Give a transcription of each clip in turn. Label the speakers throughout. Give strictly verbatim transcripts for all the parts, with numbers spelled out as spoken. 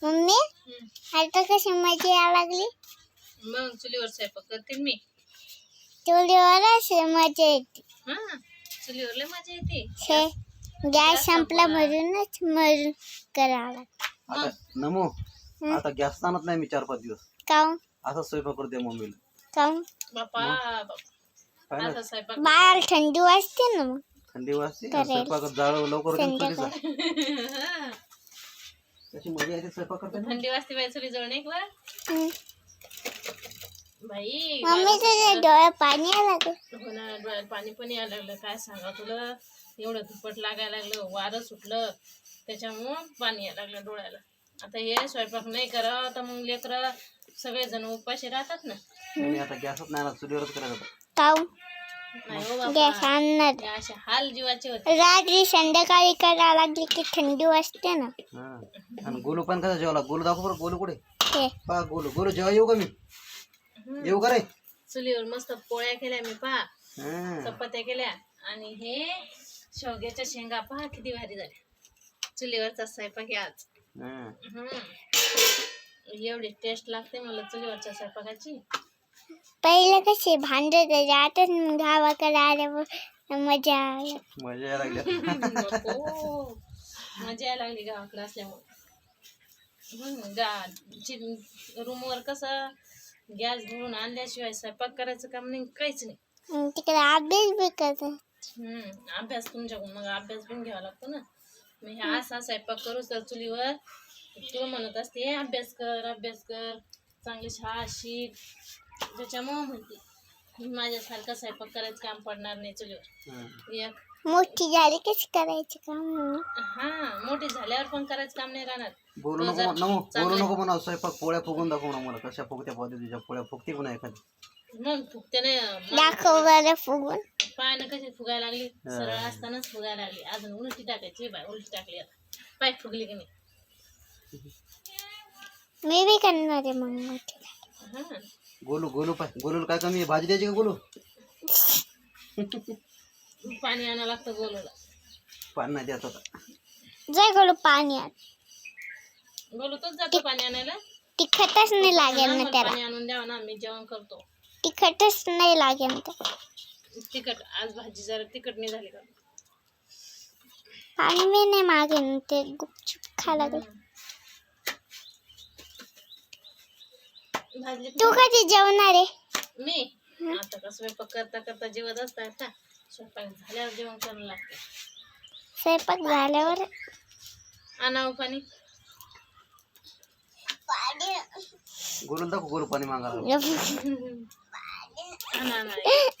Speaker 1: Mummy आता कशी मजा यायला लागली.
Speaker 2: मग चुलीवर स्वयंपाक करते मी.
Speaker 1: चुलीवर असे मजा येते.
Speaker 2: हा चुलीवर लय मजा येते.
Speaker 1: हे गॅस संपला म्हणूनच मरून करावं लागतं.
Speaker 3: आता नमो आता गॅस आणत नाही मी चार पाच दिवस.
Speaker 1: काऊन
Speaker 3: असा स्वयंपाक करते मम्मीला.
Speaker 1: काऊन
Speaker 2: बापा
Speaker 3: काय ना
Speaker 2: असा स्वयंपाक
Speaker 1: बाहेर थंडी वाजते ना. मग
Speaker 3: थंडी वाजते स्वयंपाकात जाळ लवकर होते ना चुलीचा.
Speaker 2: हा.
Speaker 3: कशी मजा येते स्वयंपाक करताना.
Speaker 2: थंडी वाजते बाई चुली जवळ एक वर
Speaker 1: हम्म.
Speaker 2: बाई
Speaker 1: मम्मी तुझ्या डोळ्यात पाणी यायला लागलं.
Speaker 2: हो ना डोळ्यात पाणी पण यायला लागलं. काय सांगा तुला एवढं धुपट लागायला लागलं वारं सुटलं त्याच्यामुळं पाणी यायला लागलं डोळ्याला. आता हे स्वयंपाक नाही करा तर मग लेकरं सगळेजण उपाशी राहतात ना.
Speaker 3: मी आता गॅसच नाही ना चुलीवरच करायचं.
Speaker 1: काऊन
Speaker 2: नाही हो
Speaker 1: गॅस
Speaker 2: बाबा
Speaker 1: आणणार
Speaker 2: हे असे हाल जीवाचे होते.
Speaker 1: रात्री संध्याकाळी करायला लागली की थंडी वाजते ना.
Speaker 3: हा आणि गोलू पण कसा जेवला. गोलू दाखव बरं. गोलू कुठे
Speaker 1: हे
Speaker 3: पा गोलू. गोलू जेव्हा येऊ का मी येऊ का रे.
Speaker 2: चुलीवर मस्त पोळ्या केल्या मी पहा
Speaker 3: हा.
Speaker 2: चपात्या केल्या आणि हे शेवग्याच्या शेंगा पहा किती भारी झाल्या. चुलीवरचा स्वयंपाक आहे आज.
Speaker 3: हा.
Speaker 2: हम्म. एवढी टेस्ट लागते मला चुलीवरच्या स्वयंपाकाची.
Speaker 1: पहिले कसे भांडत जातात गावाकडे आल्यावर मजा आली.
Speaker 3: मजा यायला लागली.
Speaker 2: नको. मजा यायला लागली गावाकडे असल्यामुळे. हम्म, गा रूमवर कसं गॅस भरून आणल्याशिवाय स्वयंपाक करायचं काम नाही काहीच नाही.
Speaker 1: अन तिकडे अभ्यास बी करतात.
Speaker 2: हम्म अभ्यास तुमच्याकडून मग अभ्यास पण घ्यावा लागतो ना. मग हे असा स्वयंपाक करूच तर चुलीवर तुला म्हणत असते अभ्यास कर अभ्यास कर चांगली शाळा शिक. त्याच्यामुळं म्हणते माझ्यासारखा स्वयंपाक करायचं काम पडणार नाही चुलीवर. एक
Speaker 1: मोठी झाली कशी करायची काम.
Speaker 2: हा मोठी झाल्यावर पण करायचं काम नाही राहणार.
Speaker 3: बोलू नको नको बोलू नको म्हणा. स्वयंपाक पोळ्या फुगून दाखव ना मला. कशा फुगत्या पद्धतीच्या पोळ्या फुगते पण एखादी.
Speaker 2: मग फुगते नाही
Speaker 1: दाखव बरं फुगून.
Speaker 2: पाय ना कशी फुगायला लागली. सरळ असतानाच फुगायला लागली. अजून उलटी टाकायची बाय उलटी टाकली आता पाय फुगली की नाही.
Speaker 1: मी बी करणार आहे मग मोठी.
Speaker 2: हा
Speaker 3: गोलू गोलू पाय. गोलूला काय कमी आहे. भाजी द्यायची का गोलू.
Speaker 2: पाणी आणावं लागतं गोलूला.
Speaker 3: पाणी नाही द्यायचं आता.
Speaker 1: जय गोलू पाणी आण.
Speaker 2: गोलू तोच जातो पाणी आणायला.
Speaker 1: तिखटच नाही लागेल ना
Speaker 2: मला
Speaker 1: त्याला.
Speaker 2: पाणी आणून द्यावं ना मी जेवण करतो.
Speaker 1: तिखटच नाही लागेल ना त्याला.
Speaker 2: तिखट आज भाजी जरा तिखट नाही झाली का.
Speaker 1: पाणी मी नाही मागेन ते गुपचूप खा लागेल.
Speaker 2: भाजली
Speaker 1: तू कधी जेवणार आहे.
Speaker 2: मी आता का स्वयंपाक करता करता जेवत असतात का. स्वयंपाक झाल्यावर जेवण करायला लागतं.
Speaker 1: स्वयंपाक झाल्यावर
Speaker 2: आणावं पाणी.
Speaker 3: गोलू दाखव. गोलू पाणी मागायला.
Speaker 2: आणा आणा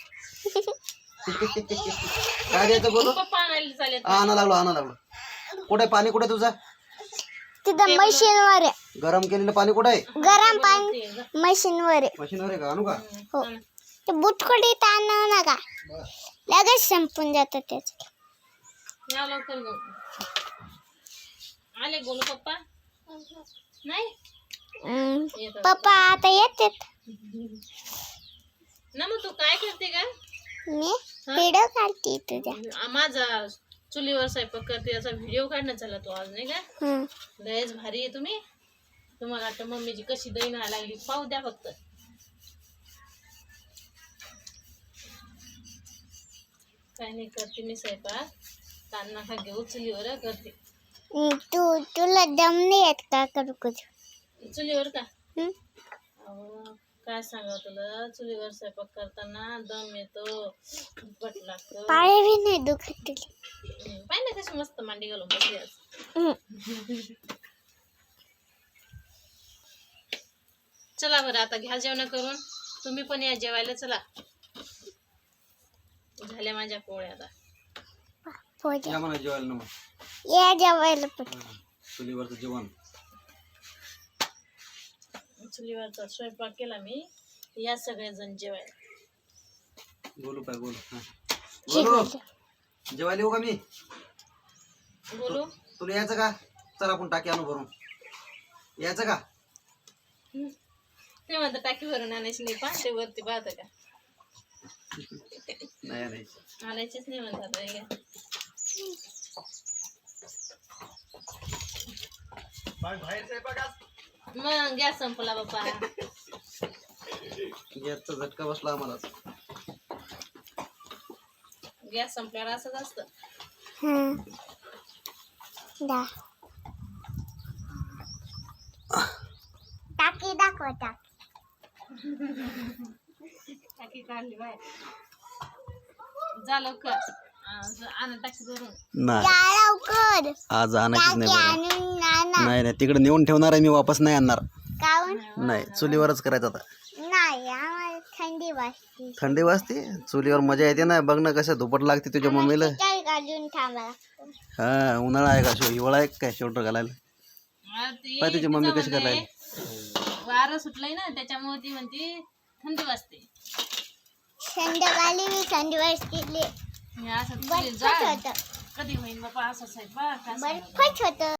Speaker 3: काय द्यायचं गोलू.
Speaker 2: पप्पा आणायला चालेल.
Speaker 3: आणा लागलो आणा लागलो. कुठे पाणी कुठे तुझा.
Speaker 1: तिथं मशीनवर आहे.
Speaker 3: गरम केलेलं पाणी कुठे आहे.
Speaker 1: गरम पाणी मशीनवर आहे.
Speaker 3: मशीनवर आहे का. आणू का.
Speaker 1: हो ते बुटकुडीत आणू नका लगेच संपून जातं त्याच.
Speaker 2: या लवकर घेऊन आले गोलू पप्पा. नाही येतात.
Speaker 1: पप्पा आता येतात.
Speaker 2: ना मग तू काय करते का.
Speaker 1: मी व्हिडिओ काढते तुझ्या.
Speaker 2: आ, माझा चुलीवर स्वयंपाक करते याचा व्हिडिओ काढण्यात झाला तो आज नाही का.
Speaker 1: हम्म.
Speaker 2: लयच भारी आहे तुम्ही. तुम्हाला वाटतं मम्मीची कशी दही नाही लागली पाहू द्या फक्त. काय नाही करते मी स्वयंपाक. ताण नका घेऊ चुलीवर करते.
Speaker 1: हम्म, तू तुला दम नाही येत का करू करू.
Speaker 2: चुलीवर का.
Speaker 1: हम्म?
Speaker 2: अहो, काय सांगा तुला चुलीवर स्वयंपाक करताना दम येतो दुपट लागतं.
Speaker 1: पाय बी नाही दुखत तुला.
Speaker 2: पाय ना कशी मस्त मांडी घालून बसली आज.
Speaker 1: हम्म.
Speaker 2: चला बरं आता घ्या जेवण करून. तुम्ही पण या जेवायला चला. झाल्या माझ्या पोळ्या आता.
Speaker 1: पोहे.
Speaker 3: या म्हणा जेवायला ना मग.
Speaker 1: या जेवायला पण.
Speaker 3: चुलीवरचं जेवण.
Speaker 2: चुलीवरचा स्वयंपाक केला मी. या सगळेजण जेवायला.
Speaker 3: गोलू पाय गोलू. हा. गोलू जेवायला येऊ का मी.
Speaker 2: बोलू
Speaker 3: तुला यायचं का. चल आपण टाकी आणू भरून. यायचं का.
Speaker 2: ते म्हणतं टाकी भरून आणायची नाही. पाहते वरती पाहतं का.
Speaker 3: नाही नाही
Speaker 2: आणायचीच नाही म्हणतात नाही का. मग गॅस संपला बाप्पा.
Speaker 3: गॅसचा झटका बसला आम्हाला.
Speaker 2: गॅस संपल्यावर असंच असतं.
Speaker 1: हं. दा टाकी दाखव टाकी.
Speaker 2: टाकी काढली बाय. जा लवकर आणा टाकी भरून.
Speaker 3: नाही
Speaker 1: जा लवकर
Speaker 3: आज आणायचीच
Speaker 1: टाकी
Speaker 3: नाही बरं.
Speaker 1: आणून आणा.
Speaker 3: नाही नाही तिकडे नेऊन ठेवणार आहे मी, वापस नाही आणणार.
Speaker 1: काऊन
Speaker 3: नाही चुलीवरच करायचं आता.
Speaker 1: नाही आम्हाला थंडी वाजते.
Speaker 3: थंडी वाजते चुलीवर मजा येते ना. बघ ना कसं धुपट लागते तुझ्या मम्मीला.
Speaker 1: काय काढून थांबा.
Speaker 3: हा उन्हाळा आहे का, शो हिवाळा आहे काय शोटर घालायला.
Speaker 2: हा, ती
Speaker 3: पाय तुझी मम्मी कशी
Speaker 2: तिचं
Speaker 3: करायला.
Speaker 2: म्हणणं वारं सुटलंय ना त्याच्यामुळे ती म्हणते थंडी वाजते.
Speaker 1: संध्याकाळी मी थंडी वाजते.
Speaker 2: हे असं चुलीत
Speaker 1: बर्फच
Speaker 2: जाळ.
Speaker 1: होतं
Speaker 2: कधी होईल बाबा असं साहेब बा
Speaker 1: बर्फच होतं.